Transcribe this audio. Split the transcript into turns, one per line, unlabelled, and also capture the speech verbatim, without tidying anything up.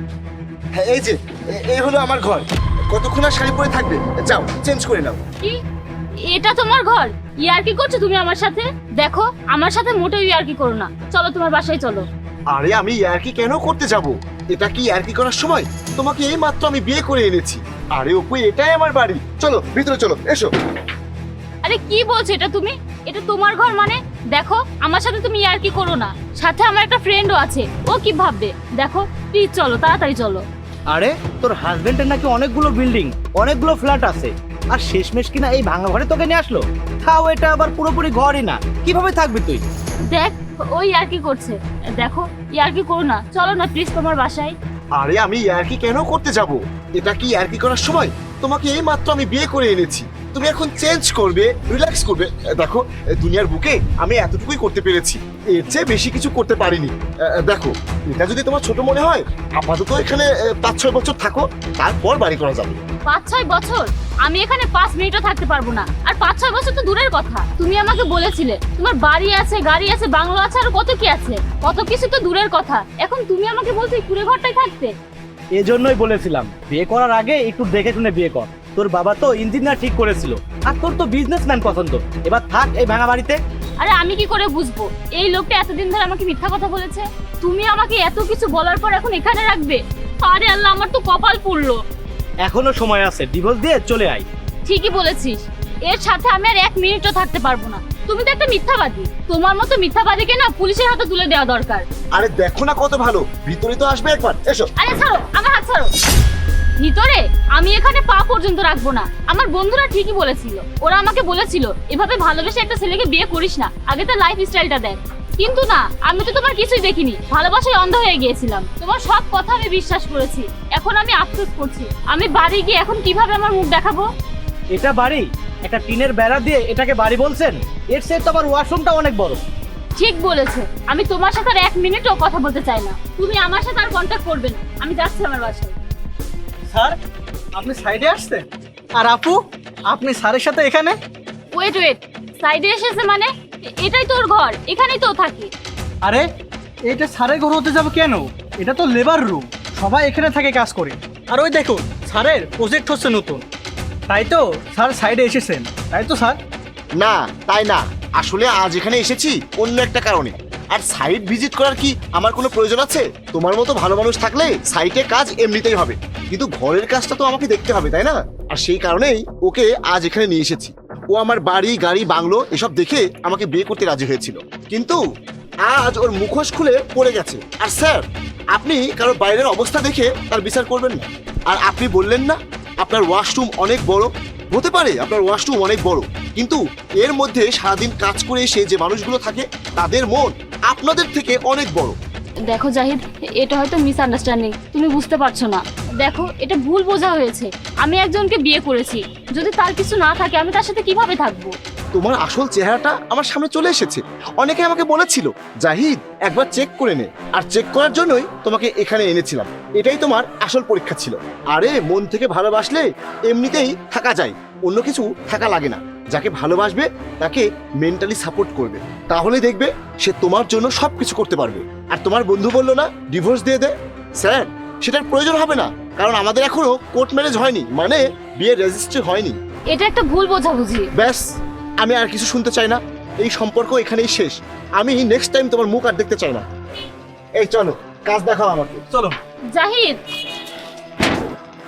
হ্যাঁ এই যে এ- এই হলো আমার ঘর। কতক্ষণ আর শাড়ি পরে থাকবে? যাও চেঞ্জ করে নাও।
কি এটা তোমার ঘর? ইয়ার্কি করছো তুমি আমার সাথে? দেখো আমার সাথে মোটেও ইয়ার্কি করো না, চলো তোমার বাসায় চলো।
আরে আমি ইয়ার্কি কেন করতে যাব? এটা কি ইয়ার্কি করার সময়? তোমাকে এই মাত্র আমি বিয়ে করে এনেছি। আরে অপু, এটাই আমার বাড়ি। চলো ভিতরে চলো, এসো।
আরে কি বলছো এটা তুমি? এটা তোমার ঘর মানে? দেখো আমার সাথে তুমি ইয়ার্কি করো না, সাথে আমার একটা ফ্রেন্ডও আছে, ও কি ভাববে? দেখো প্লিজ চলো, তাড়াতাড়ি চলো।
আরে তোর হাজবেন্ডের নাকি অনেকগুলো বিল্ডিং, অনেকগুলো ফ্ল্যাট আছে, আর শেষমেশ কিনা এই ভাঙা ঘরে তোকে নিয়ে আসলো। তাও এটা আবার পুরোপুরি ঘরই না, কিভাবে থাকবি তুই?
দেখ ও ইয়ার্কি করছে, দেখো ইয়ার্কি করো না, চলো না প্লিজ তোমার বাসায়।
আরে আমি ইয়ার্কি কেন করতে যাব? এটা কি ইয়ার্কি করার সময়? তোমাকে এই মাত্র আমি বিয়ে করে এনেছি। তুমি এখন চেঞ্জ করবে, রিল্যাক্স করবে। দেখো দুনিয়ার বুকে আমি এতটুকুই করতে পেরেছি, এর চেয়ে বেশি কিছু করতে পারিনি। দেখো এটা যদি তোমার ছোট মনে হয়, আপাতত এখানে পাঁচ ছয় বছর থাকো, তারপর বাড়ি করা যাবে।
পাঁচ ছয় বছর? আমি এখানে পাঁচ মিনিটও থাকতে পারবো না, আর পাঁচ ছয় বছর তো দূরের কথা। তুমি আমাকে বলেছিলে তোমার বাড়ি আছে, গাড়ি আছে, বাংলো আছে, আর কত কি আছে, কত কিছু তো দূরের কথা। এখন তুমি আমাকে বলছো এই কুড়ে ঘরটায় থাকতে?
এজন্যই বলেছিলাম বিয়ে করার আগে একটু দেখে শুনে বিয়ে কর। তোর বাবা তো ইঞ্জিনিয়ার ঠিক করেছিল, আর তোর তো বিজনেসম্যান পছন্দ। এবার থাক এই ভাঙা বাড়িতে।
আরে আমি কি করে বুঝবো এই লোকটা এতদিন ধরে আমাকে মিথ্যা কথা বলেছে? তুমি আমাকে এত কিছু বলার পর এখন এখানে রাখবে? আরে আল্লাহ, আমার তো কপাল পুড়লো।
এখনো সময় আছে, ডিভোর্স দিয়ে চলে আয়।
ঠিকই বলেছিস, এর সাথে আমি আর এক মিনিটও থাকতে পারবো না। তুমি তো একটা মিথ্যাবাদী, তোমার মতো মিথ্যাবাদীকে না পুলিশের হাতে তুলে দেওয়া দরকার।
আরে দেখো না কত ভালো, ভিতরে তো আসবে একবার, এসো।
আরে ছাড়ো, আমার হাত ছাড়ো। ভিতরে আমি এখানে পা পর্যন্ত রাখবো না। আমার বন্ধুরা ঠিকই বলেছিল, ওরা আমাকে বলেছিল এভাবে ভালোবেসে একটা ছেলেকে বিয়ে করিস না, আগে তো লাইফ স্টাইলটা দেখ। কিন্তু না, আমি তো তোমার কিছুই দেখিনি, ভালোবাসায় অন্ধ হয়ে গিয়েছিলাম। তোমার সব কথা আমি বিশ্বাস করেছি, এখন আমি আফসোস করছি। আমি বাড়ি গিয়ে এখন কিভাবে আমার মুখ দেখাবো?
এটা বাড়ি? একটা টিনের বেড়া দিয়ে এটাকে বাড়ি বলছেন? এর চেয়ে তো আমার ওয়াশরুমটা অনেক বড়।
ঠিক বলেছে, আমি তোমার সাথে আর এক মিনিটও কথা বলতে চাই না। তুমি আমার সাথে আর কন্ট্যাক্ট করবে না, আমি যাচ্ছি আমার বাসায়।
স্যার, আপনি সাইডে আসছেন? আর আপু, আপনি স্যারের সাথে এখানে?
ওয়েট ওয়েট, সাইডে এসেছে মানে? এ- এটাই তোর ঘর, এখানেই তো থাকি।
আরে এইটা স্যারের ঘর হতে যাবে কেন? এটা তো লেবার রুম, সবাই এখানে থাকে কাজ করে। আর ওই দেখুন, স্যারের প্রজেক্ট হচ্ছে নতুন, তাই তো স্যার সাইডে এসেছেন, তাই তো স্যার?
না তাই না, আসলে আজ এখানে এসেছি অন্য একটা কারণে। আর সাইট ভিজিট করার কি আমার কোনো প্রয়োজন আছে? তোমার মতো ভালো মানুষ থাকলে সাইটে কাজ এমনিতেই হবে, কিন্তু ঘরের কাজটা তো আমাকে দেখতে হবে, তাই না? আর সেই কারণেই ওকে আজ এখানে নিয়ে এসেছি। ও আমার বাড়ি গাড়ি বাংলো এসব দেখে আমাকে বিয়ে করতে রাজি হয়েছিল, কিন্তু আজ ওর মুখোশ খুলে পড়ে গেছে। আর স্যার, আপনি কারো বাইরের অবস্থা দেখে তার বিচার করবেন না। আর আপনি বললেন না আপনার ওয়াশরুম অনেক বড়? হতে পারে আপনার ওয়াশরুম অনেক বড়, কিন্তু এর মধ্যে সারাদিন কাজ করে এসে যে মানুষগুলো থাকে তাদের মন আপনাদের থেকে অনেক বড়।
দেখো জাহিদ, এটা হয়তো মিসআন্ডারস্ট্যান্ডিং, তুমি বুঝতে পারছো না। দেখো এটা ভুল বোঝা হয়েছে, আমি একজনকে বিয়ে করেছি, যদি তার কিছু না থাকে আমি তার সাথে কিভাবে থাকবো?
তোমার আসল চেহারাটা আমার সামনে চলে এসেছে। অনেকে আমাকে বলেছিল জাহিদ একবার চেক করে নে, আর চেক করার জন্যই তোমাকে এখানে এনেছিলাম। এটাই তোমার আসল পরীক্ষা ছিল। আরে মন থেকে ভালোবাসলে এমনিতেই থাকা যায়, অন্য কিছু থাকা লাগে না। যাকে ভালোবাসবে তাকে মেন্টালি সাপোর্ট করবে, তাহলে দেখবে সে তোমার জন্য সবকিছু করতে পারবে। আর তোমার বন্ধু বললো না ডিভোর্স দিয়ে দে, স্যার সেটার প্রয়োজন হবে না, কারণ আমাদের এখনো কোর্ট ম্যারেজ হয়নি, মানে বিয়ে রেজিস্ট্রি হয়নি।
এটা একটা ভুল বোঝাবুঝি।
ব্যাস, আমি আর কিছু শুনতে চাই না, এই সম্পর্ক এখানেই শেষ। আমি নেক্সট টাইম তোমার মুখ আর দেখতে চাই না। এই চলো, কাজ দেখাও আমাকে।
চলো।
জাহিদ